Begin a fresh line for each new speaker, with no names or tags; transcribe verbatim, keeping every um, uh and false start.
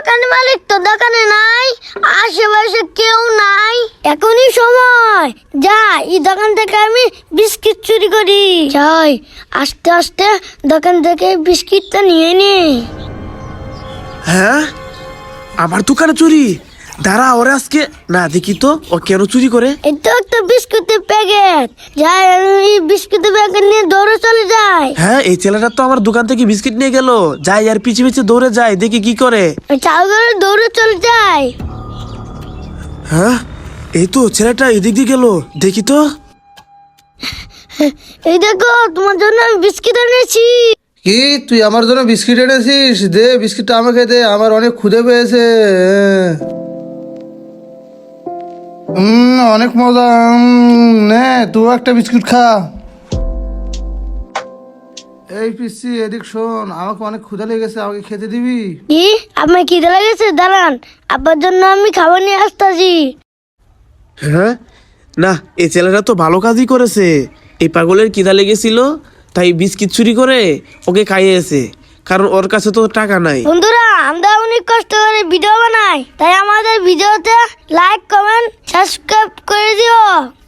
দোকানের মালিক তো দোকানে নাই, আশেপাশে কেউ নাই, এখনই সময় যা এই দোকান থেকে আমি বিস্কিট চুরি করি। যাই আস্তে আস্তে দোকান থেকে বিস্কিটটা নিয়ে নি।
হ্যাঁ, আমার দোকানে চুরি? দাঁড়া, ওরে আজকে না দেখি তো ও কেন চুরি করে।
এই তো একটা বিস্কুটের প্যাকেট, যাই আমি বিস্কুটের প্যাকেট নিয়ে দৌড়ে চলে যাই।
হ্যাঁ, এই ছেলেটা তো আমার দোকান থেকে বিস্কিট নিয়ে গেল। যাই আর পিছে পিছে দৌড়ে যাই, দেখি কি করে।
চাল করে দৌড়ে চলে যাই।
হ্যাঁ, এই তো ছেলেটা এদিক দিয়ে গেল, দেখি তো।
এই দেখো তোমার জন্য আমি বিস্কিট এনেছি।
কি তুই আমার জন্য বিস্কিট এনেছিস? দে বিস্কিটটা আমাকে দে, আমার অনেক ক্ষুধে পেয়েছে। হুম অনেক মজা। উম, নে তুই একটা বিস্কুট খা। এই পিসি এদিক শোন, আমাকে অনেক ক্ষুধা লেগেছে, আমাকে খেতে দিবি?
কি আপনার খিদে লেগেছে? দাঁড়ান, আব্বার জন্য আমি খাবার নিয়ে আসতেছি।
হ্যাঁ, না এই ছেলেটা তো ভালো কাজই করেছে। এই পাগলের খিদা লেগেছিল, তাই বিস্কিট চুরি করে ওকে খাইয়েছে, কারণ ওর কাছে তো টাকা নাই।
বন্ধুরা, আমরা অনেক কষ্ট করে ভিডিও বানাই, তাই আমাদের ভিডিওতে লাইক কমেন্ট সাবস্ক্রাইব করে দিও।